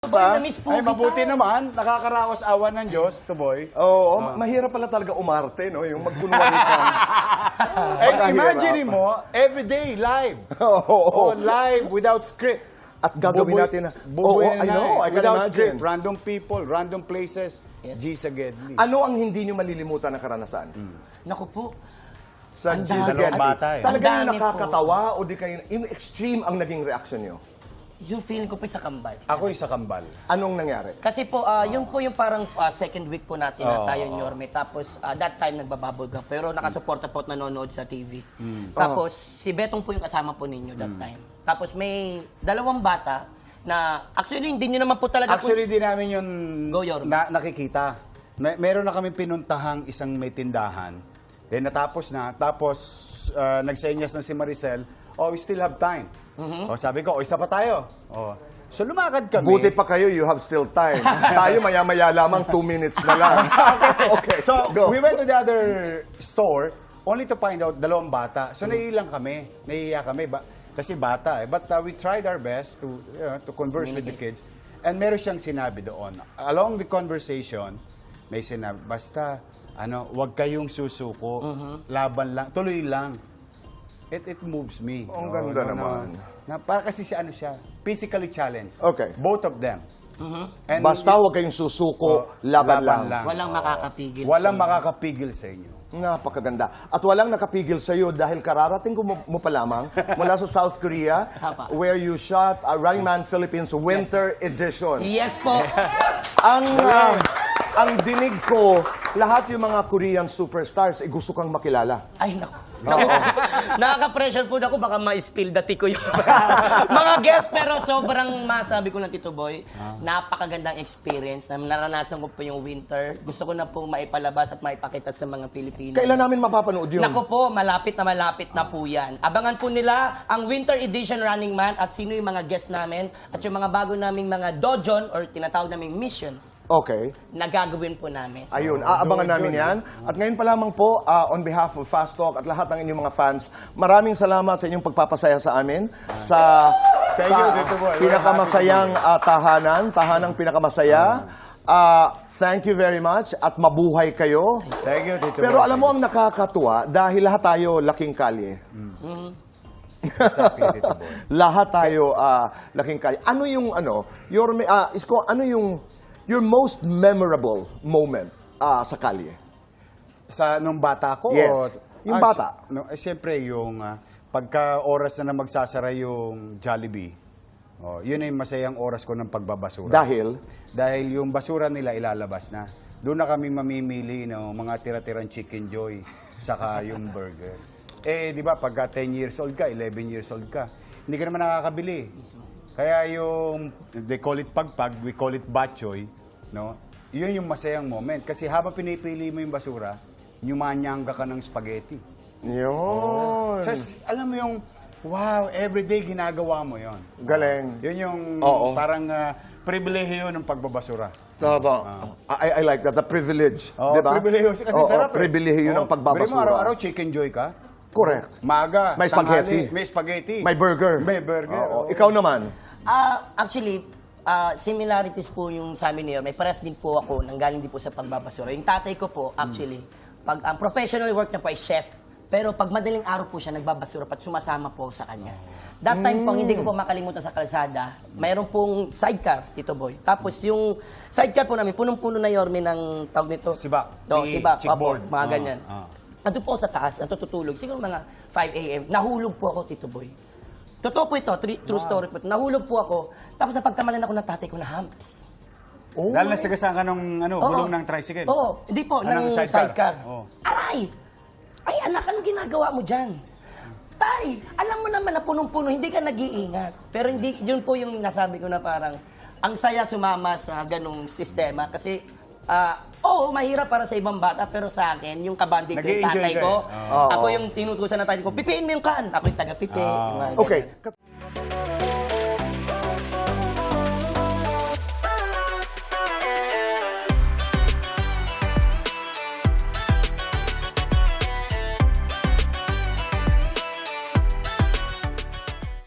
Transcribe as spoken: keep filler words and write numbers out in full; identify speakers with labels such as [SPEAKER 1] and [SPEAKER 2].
[SPEAKER 1] Ba?
[SPEAKER 2] Na-miss po
[SPEAKER 1] Ay,
[SPEAKER 2] kita.
[SPEAKER 1] mabuti naman. Nakakaraos awan ng Diyos, Tuboy.
[SPEAKER 3] Oo, ma- mahirap pala talaga umarte, no? Yung magkunwari ka.
[SPEAKER 1] And imagine mo, everyday, live.
[SPEAKER 3] Oo.
[SPEAKER 1] Oh, live, without script.
[SPEAKER 3] At gagawin
[SPEAKER 1] Bubuy-
[SPEAKER 3] natin na...
[SPEAKER 1] bubuy
[SPEAKER 3] Oo,
[SPEAKER 1] na
[SPEAKER 3] I know,
[SPEAKER 1] eh.
[SPEAKER 3] I can
[SPEAKER 1] Without
[SPEAKER 3] imagine.
[SPEAKER 1] script, random people, random places. G sa Gedli.
[SPEAKER 3] Ano ang hindi nyo malilimutan na karanasan?
[SPEAKER 2] Naku po.
[SPEAKER 3] Sa
[SPEAKER 2] Ang
[SPEAKER 3] G sa
[SPEAKER 2] dami.
[SPEAKER 3] Gedli?
[SPEAKER 1] Dalawang bata eh.
[SPEAKER 3] Talaga
[SPEAKER 2] Ang
[SPEAKER 3] yung
[SPEAKER 2] dami po.
[SPEAKER 3] nakakatawa o di kayo... Yung extreme ang naging reaction nyo?
[SPEAKER 2] Yung feeling ko po sa kambal.
[SPEAKER 1] Ako isa kambal.
[SPEAKER 3] Anong nangyari?
[SPEAKER 2] Kasi po, ah, yung po yung parang ah, second week po natin na
[SPEAKER 1] Oo.
[SPEAKER 2] tayo ni Yorme. Tapos, ah, that time nagbababol ka. Pero nakasuporta po at nanonood sa T V. Tapos, si Betong po yung kasama po ninyo that time. Tapos, may dalawang bata na, actually, hindi nyo naman po talaga...
[SPEAKER 1] Actually, di namin yun
[SPEAKER 2] Go, Yorme.
[SPEAKER 1] na, nakikita. May, meron na kami pinuntahang isang may tindahan. Then natapos na. Tapos, uh, nagsenyas na si Maricel, oh, we still have time. O, sabi ko, o, isa pa tayo. O, so, lumakad kami.
[SPEAKER 3] Buti pa kayo, you have still time. Tayo maya-maya lamang, two minutes na lang. Okay,
[SPEAKER 1] So,
[SPEAKER 3] go.
[SPEAKER 1] we went to the other store only to find out dalawang bata. So, naiilang kami. Naiiya kami. Ba kasi bata eh. But uh, we tried our best to, you know, to converse with the kids. And meron siyang sinabi doon. Along the conversation, may sinabi, basta, ano, wag kayong susuko. Laban lang. Tuloy lang. It it moves me.
[SPEAKER 3] Ang
[SPEAKER 1] Oh,
[SPEAKER 3] ganda
[SPEAKER 1] no, no.
[SPEAKER 3] naman.
[SPEAKER 1] Na, para kasi siya, ano siya, physically challenged.
[SPEAKER 3] Okay.
[SPEAKER 1] Both of them. And
[SPEAKER 3] Basta huwag kayong susuko,
[SPEAKER 1] Oh,
[SPEAKER 3] laban,
[SPEAKER 1] laban
[SPEAKER 3] lang.
[SPEAKER 1] lang.
[SPEAKER 2] Walang makakapigil.
[SPEAKER 1] Walang
[SPEAKER 2] sa-
[SPEAKER 1] makakapigil sa inyo.
[SPEAKER 3] Napakaganda. At walang nakapigil sa iyo dahil kararating ko mo, mo pa lamang mula sa South Korea
[SPEAKER 2] Tama.
[SPEAKER 3] where you shot uh, Running Man Philippines Winter Edition.
[SPEAKER 2] Yes po.
[SPEAKER 3] Ang uh, ang dinig ko, lahat yung mga Korean superstars, eh, gusto kang makilala.
[SPEAKER 2] Ay, naku. Naku. Nakaka-pressure po ako, baka ma-spill dati ko yung mga guests. Pero sobrang masabi ko lang, Tito Boy, napakagandang experience. Na naranasan ko po yung winter. Gusto ko na po maipalabas at maipakita sa mga Pilipino.
[SPEAKER 3] Kailan namin mapapanood yun?
[SPEAKER 2] Naku po, malapit na malapit na po yan. Abangan po nila ang Winter Edition Running Man at sino yung mga guests namin at yung mga bago naming mga dojon or tinatawag naming missions
[SPEAKER 3] Okay.
[SPEAKER 2] na gagawin po namin.
[SPEAKER 3] Ayun, aabangan
[SPEAKER 1] Doon,
[SPEAKER 3] namin
[SPEAKER 1] John.
[SPEAKER 3] yan. At ngayon pa lamang po, uh, on behalf of Fast Talk at lahat ng inyong mga fans, maraming salamat sa inyong pagpapasaya sa amin. Sa,
[SPEAKER 1] Thank
[SPEAKER 3] sa
[SPEAKER 1] you, Tito Boy. We're
[SPEAKER 3] pinakamasayang uh, tahanan, tahanang pinakamasaya. Uh, thank you very much at mabuhay kayo.
[SPEAKER 1] Thank you, Tito
[SPEAKER 3] Pero
[SPEAKER 1] Boy.
[SPEAKER 3] alam mo ang nakakatuwa, dahil lahat tayo laking kalye.
[SPEAKER 1] Exactly, Tito Boy.
[SPEAKER 3] Lahat tayo ah, laking kalye. Ano yung ano, your ah, Isko, ano yung your most memorable moment ah, sa kalye?
[SPEAKER 1] Sa nung bata ko?
[SPEAKER 3] Yes.
[SPEAKER 1] O,
[SPEAKER 3] Yung
[SPEAKER 1] Ah,
[SPEAKER 3] bata.
[SPEAKER 1] si- No, eh, siyempre, yung ah, pagka oras na na magsasara yung Jollibee, oh, yun ay masayang oras ko ng pagbabasura.
[SPEAKER 3] Dahil
[SPEAKER 1] Dahil yung basura nila ilalabas na. Doon na kami mamimili ng mga tira-tirang Chicken Joy, saka yung burger. Eh, di ba, pagka ten years old ka, eleven years old ka, hindi ka naman nakakabili. Kaya yung, they call it pagpag, we call it batchoy, no? Yun yung masayang moment. Kasi habang pinipili mo yung basura, nyumanyangga ka ng spaghetti.
[SPEAKER 3] yun.
[SPEAKER 1] So, alam mo yung, wow, everyday ginagawa mo yon.
[SPEAKER 3] Galing.
[SPEAKER 1] Yun yung
[SPEAKER 3] Oo.
[SPEAKER 1] parang uh, pribilehiyo ng pagbabasura.
[SPEAKER 3] Tama. I, I like that, the privilege.
[SPEAKER 1] Oh,
[SPEAKER 3] di ba?
[SPEAKER 1] pribilehiyo. Kasi
[SPEAKER 3] Oo,
[SPEAKER 1] sarap eh.
[SPEAKER 3] pribilehiyo ng
[SPEAKER 1] Oh, bili mo
[SPEAKER 3] pagbabasura.
[SPEAKER 1] araw-araw chicken joy ka.
[SPEAKER 3] Correct.
[SPEAKER 1] Maga,
[SPEAKER 3] May
[SPEAKER 1] tanghali,
[SPEAKER 3] spaghetti.
[SPEAKER 1] may spaghetti.
[SPEAKER 3] May burger.
[SPEAKER 1] May burger.
[SPEAKER 3] Oo.
[SPEAKER 1] oo.
[SPEAKER 3] Ikaw naman.
[SPEAKER 2] Ah, actually, ah, similarities po yung sa amin niyo. May pares din po ako nang galing din po sa pagbabasura. Yung tatay ko po, actually, pag ang professional work niya po ay chef. Pero pag madaling araw po siya, nagbabasura at sumasama po ako sa kanya. That time po, hindi ko po makalimutan sa kalsada, mayroon pong sidecar, Tito Boy. Tapos yung sidecar po namin, punong-puno na yorme ng tawag nito.
[SPEAKER 1] Sibak.
[SPEAKER 2] Oo,
[SPEAKER 1] Ni
[SPEAKER 2] sibak.
[SPEAKER 1] chickboard.
[SPEAKER 2] Opo, mga
[SPEAKER 1] Ah,
[SPEAKER 2] ganyan.
[SPEAKER 1] ah.
[SPEAKER 2] Ando po ako sa taas, natutulog. Siguro mga five a m Nahulog po ako, Tito Boy. Totoo po ito, tri- true story po ito. Nahulog po ako, tapos sa pagkamalan ako ng tatay ko na humps.
[SPEAKER 3] Oh.
[SPEAKER 1] Dahil nasagasaan ka ng ano,
[SPEAKER 2] Oo.
[SPEAKER 1] gulong ng tricycle.
[SPEAKER 2] Oo, hindi po,
[SPEAKER 1] Ah,
[SPEAKER 2] ng
[SPEAKER 1] ng
[SPEAKER 2] sidecar.
[SPEAKER 1] sidecar. Oo.
[SPEAKER 2] Aray! Ay, anak, anong ginagawa mo dyan? Tay, alam mo naman na punong-puno, hindi ka nag-iingat. Pero hindi, yun po yung nasabi ko na parang, ang saya sumama sa ganong sistema. Kasi, ah, oo, mahirap para sa ibang bata, pero sa akin, yung kabanding ko, yung
[SPEAKER 1] Nag-i-enjoy
[SPEAKER 2] tatay
[SPEAKER 1] ka
[SPEAKER 2] ko,
[SPEAKER 1] eh.
[SPEAKER 3] Oo.
[SPEAKER 2] ako yung tinutusan ng tatay ko, pipiin mo yung kan. Ako yung taga-pipi.
[SPEAKER 1] Ah.
[SPEAKER 2] yung mga
[SPEAKER 3] Okay.
[SPEAKER 2] ganyan.